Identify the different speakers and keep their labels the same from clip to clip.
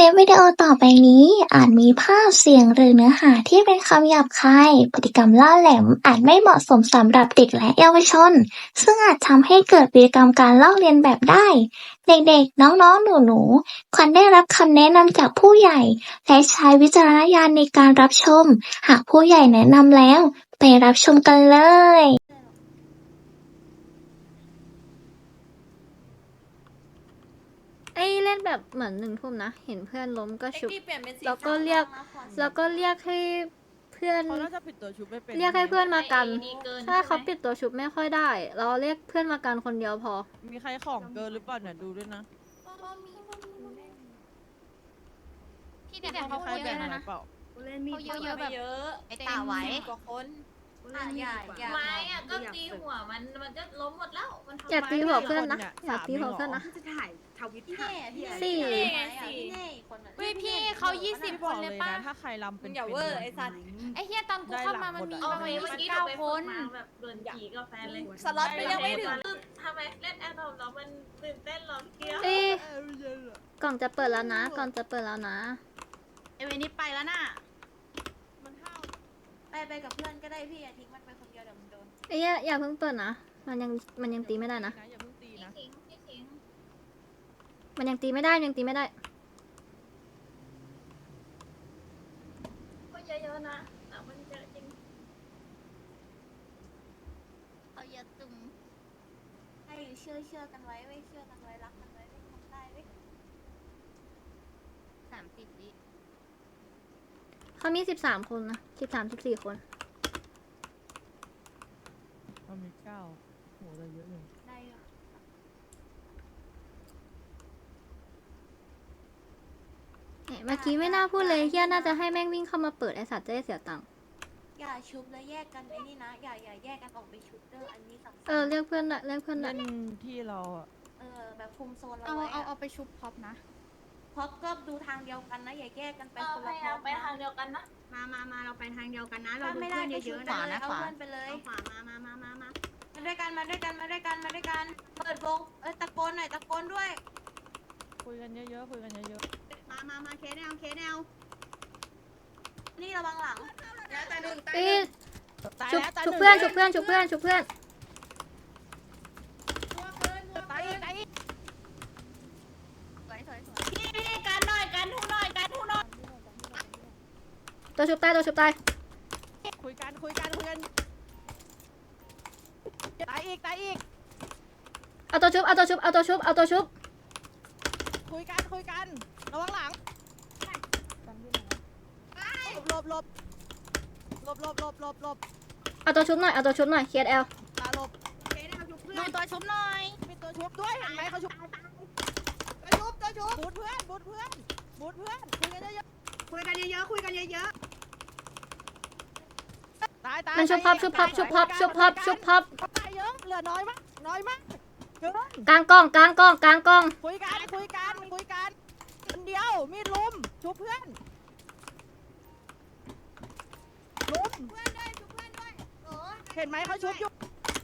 Speaker 1: ลิปวิดีโอต่อไปนี้อาจมีภาพเสียงหรือเนื้อหาที่เป็นคำหยาบคายพฤติกรรมล่าแหลมอาจไม่เหมาะสมสำหรับเด็กและเยาวชนซึ่งอาจทำให้เกิดพฤติกรรมการลอกเลียนแบบได้เด็กๆน้องๆหนูๆควรได้รับคำแนะนำจากผู้ใหญ่และใช้วิจารณญาณในการรับชมหากผู้ใหญ่แนะนำแล้วไปรับชมกันเลย
Speaker 2: เล่นแบบเหมือน1 ทุ่มนะเห็นเพื่อนล้มก็ชุบ แล้วก็เรียกให้เพื่อน
Speaker 3: เขาน่าจะปิดตัวชุบไม่เป็น
Speaker 2: เรียกให้เพื่อนมากันถ้าเขาปิดตัวชุบไม่ค่อยได้ เราเรียกเพื่อนมากันคนเดียวพอ
Speaker 3: มีใครของเกินหรือเปล่าเนี่ยดูด้วยนะ
Speaker 4: พี่เนี่ยเขาเยอะนะ
Speaker 3: เปล่า
Speaker 4: เขาเยอะแบบเยอะไอ้ตาไว้กว่าคนอย่าไม้อะก็ตีหัวมันก็ล้มหมดแล้วมันทำ
Speaker 2: อย่าตีหัวเพื่อนนะอย่าตีหัวเพื่อนนะ
Speaker 5: จะถ่ายทวิต
Speaker 4: พี่
Speaker 5: ถ่าย
Speaker 4: พี่
Speaker 2: สี่
Speaker 4: เฮ้ยพี่เขา20 คนเลยป่ะ
Speaker 3: ถ้าใครลำเป็น
Speaker 4: อย่าเวอร์ไอ้สัตว์ไอ้เฮียตอนกูเข้ามามันมีประมาณ29 คนแบบเดินขี่กับแฟนเลยสล็อตมันยังไม่ถึงทำไมเล่นแอร์ดอมแล้วมันตื่นเต้นหรอเกี้ยว
Speaker 2: กล่องจะเปิดแล้วนะก่อนจะเปิดแล้วนะ
Speaker 5: ไอเวนี่ไปแล้วน่ะ
Speaker 3: มันห้าว
Speaker 4: ไปกับเพื่อนก็ได้พี่อย่าทิ้งมันไปคนเดียวเดี๋ยวมันโดน
Speaker 2: อย่าเพิ่งเปิดนะมันยังตีไม่ได้นะ
Speaker 3: อย่าเพิ่งตีนะ
Speaker 4: ทิ้ง
Speaker 2: มันยังตีไม่ได้ยังตีไม่ได้
Speaker 4: ก็เยอะๆนะแต่มันเยอะจริงเขาเยอะจุ่มให้เชื่อกันไว้ไว้เชื่อกันไว้รักกันไว้ไม่ทำได้ไว้30 วิ
Speaker 2: เขามี13 คนนะ13-14 คน
Speaker 3: มันมี9โหเราเยอะเลย
Speaker 4: ได้เหรอ
Speaker 2: เมื่อกี้ไม่น่าพูดเลยเฮียน่าจะให้แม่งวิ่งเข้ามาเปิดไอสัตว์จะได้เสียตังค์
Speaker 4: อย่าชุบแล้วแยกกันไอ้นี่นะอย่าแยกกันออกไปชุบเด้ออันนี้สำคัญ
Speaker 2: เรียกเพื่อนละเรียกเพื่อนละ
Speaker 3: เล่นที่เราอะ
Speaker 4: แบบคุมโซนเราไว้เอาไปชุบพ็อปนะพ็อปก็ดูทางเดียวกันนะอย่าแยกกันไปคนละพ็อปไปทางเดียวกันนะ
Speaker 5: มาเราไปทางเดียวกันนะ เรา
Speaker 4: ถ้า
Speaker 5: ดู
Speaker 4: ไม่
Speaker 5: เพื่
Speaker 4: ได้
Speaker 5: อน
Speaker 4: ก็ชุ
Speaker 5: เย
Speaker 4: บ
Speaker 5: อะๆ
Speaker 4: ไป
Speaker 5: นะ
Speaker 4: เลยเอาเพื่อนไปเลย
Speaker 5: ขวามา
Speaker 4: ด้วยกันเปิดวงตะโกนหน่อยตะโกนด้วย
Speaker 3: คุยกันเยอะๆคุยกันเยอะ
Speaker 5: มาเคแนว
Speaker 4: นี่ระวังหลัง
Speaker 3: ๆตาย
Speaker 2: ชุบ
Speaker 3: แล้วตาย
Speaker 2: ชุบเพื่อนชุบเพื่อนชุบเพื่อนชุบเพื่อน
Speaker 3: ตายอีก
Speaker 4: พี่กันหน่อยกันทุกหน่อย
Speaker 2: ตัวชุบตายตัวชุบตาย
Speaker 3: คุยกันตายอีก
Speaker 2: เอาตัวชุบ
Speaker 3: คุยกันระวังหลังหลบ
Speaker 2: เอาตัวชุบหน่อยเคสเอล
Speaker 3: ตาหลบ
Speaker 5: เคแนวชุบเพื่อน
Speaker 4: ดูตัวชุบหน่อย
Speaker 3: มีตัวชุบด้วยเห็นไหมเขาชุบตัวชุบบูทเพื่อนคุยกันเยอะ
Speaker 5: คุยกันเยอะ
Speaker 3: ๆตาย
Speaker 2: มันชุบพับ
Speaker 3: ตายเยอะเหลือน้อยมากเกิน
Speaker 2: กลางกล้อง
Speaker 3: คุยกันคนเดียวมีดลุมชุบเพื่อนลุมเห็นไหมเขาชุบอยู่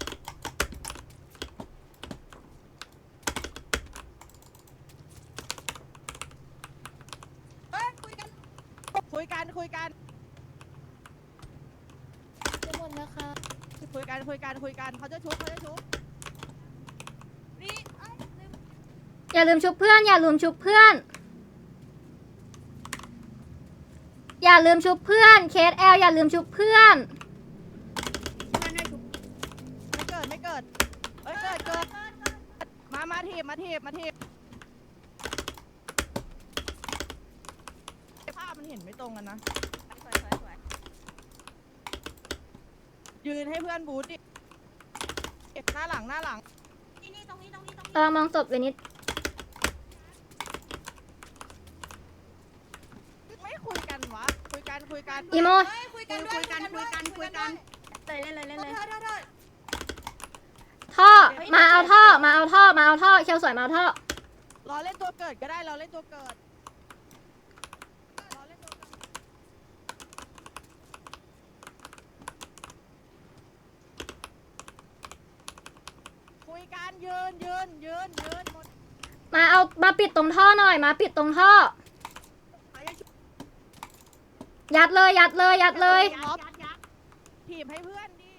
Speaker 3: คุยกัน
Speaker 4: จะหมดแล้วค่ะ
Speaker 3: คุยกันเขาจะชุบ
Speaker 4: นี่
Speaker 2: อย่าลืมชุบเพื่อนเคสเอลอย่าลืมชุบเพื่อน
Speaker 3: ไม่เกิดเอ้ยเกิดมาทีบภาพมันเห็นไม่ตรงกันนะยืนให้เพื่อนบูทดิหน้าหลัง
Speaker 4: นี่ตรงนี้
Speaker 2: มองศพเวนิส
Speaker 3: ไม่คุยกันวะคุยกัน
Speaker 2: อีโม
Speaker 4: คุยกันเลย
Speaker 2: ท่อมาเอาท่อเชลสวยมาเอาท่อ
Speaker 3: รอเล่นตัวเกิดก็ได้คุยกันยืนหมด
Speaker 2: มาปิดตรงท่อหน่อยมาปิดตรงท่อยัดเลยยัดเลยยัดเลย
Speaker 3: ถีบให้เพื่อนดิ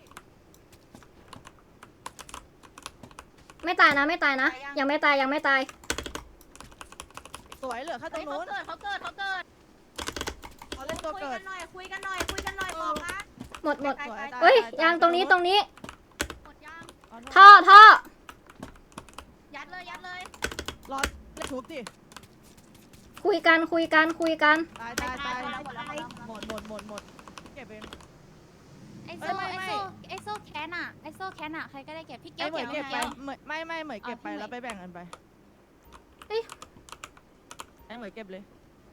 Speaker 2: ไม่ตายนะไม่ตายนะ ยังไม่ตายยังไม่ตาย
Speaker 3: สวยเหลือแค่ตรงนู้น
Speaker 4: เขาเกิด
Speaker 3: เขาเล่นตัวเกิด
Speaker 4: คุยกันหน่อยบอกนะ
Speaker 2: หมด
Speaker 3: สวยตา
Speaker 2: เอ้ย
Speaker 3: ตา
Speaker 2: ยังตรงนี้ตรงนี้
Speaker 4: หมดยัง
Speaker 3: อ๋อ
Speaker 2: ท่อ
Speaker 4: ยัดเลย
Speaker 3: รอเล่นทุบดิ
Speaker 2: คุยกัน
Speaker 3: ตายหมดเก็บเอง
Speaker 4: ไอ
Speaker 3: เอ้ยไม่
Speaker 4: โซ่แคนอะใครก็ได้เก็บพี่เกี
Speaker 3: ไอ้
Speaker 4: ยว
Speaker 3: เหมย
Speaker 4: เก็
Speaker 3: เก็
Speaker 4: บบ
Speaker 3: ไป
Speaker 4: แล้ว
Speaker 3: ไม่เหมยเก็บไป
Speaker 4: เอาที่
Speaker 3: แล้วไปแบ่งกันไป
Speaker 2: เอ้ย
Speaker 3: ไอ้เหมยเก็บเลย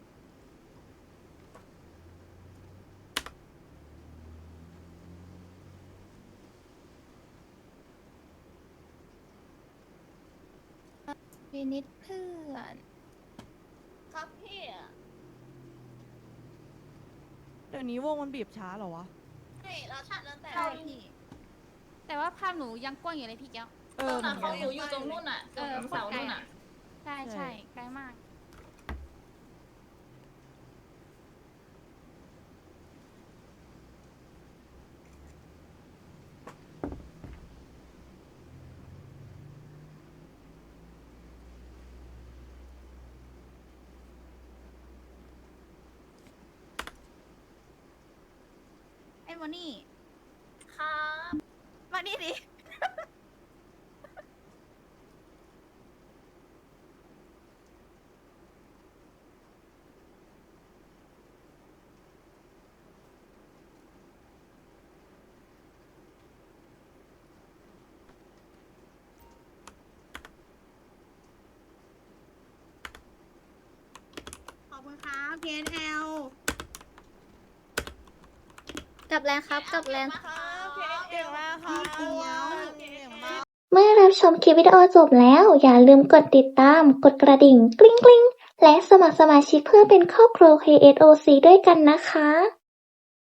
Speaker 4: วินิดเพื่อนครับพี่
Speaker 3: เดี๋ยวนี้วงมันบีบช้าเหรอวะ
Speaker 4: ใช่แล้วชัดแล้วแต่พี่แต่ว่าภาพหนูยังกว้างอยู่เลยพี่เกียว
Speaker 3: เออเหมือนกัน
Speaker 4: อยู่ตรงนู่นอ่ะตรงเสานู่นอ่ะใช่ไกลมาก ไอ้โมนี่ครับมานี่ดิ
Speaker 5: ขอบคุณครับเคสแอล
Speaker 2: กลับแรงครับกลับแรง
Speaker 3: เก่งมากค่ะ
Speaker 5: เกียว
Speaker 3: เก่งมาก
Speaker 1: เมื่อรับชมคลิปวิดีโอจบแล้ว อย่าลืมกดติดตาม กดกระดิ่งกริ๊งกริ๊งและสมัครสมาชิกเพื่อเป็นครอบครัว KSOC ด้วยกันนะคะ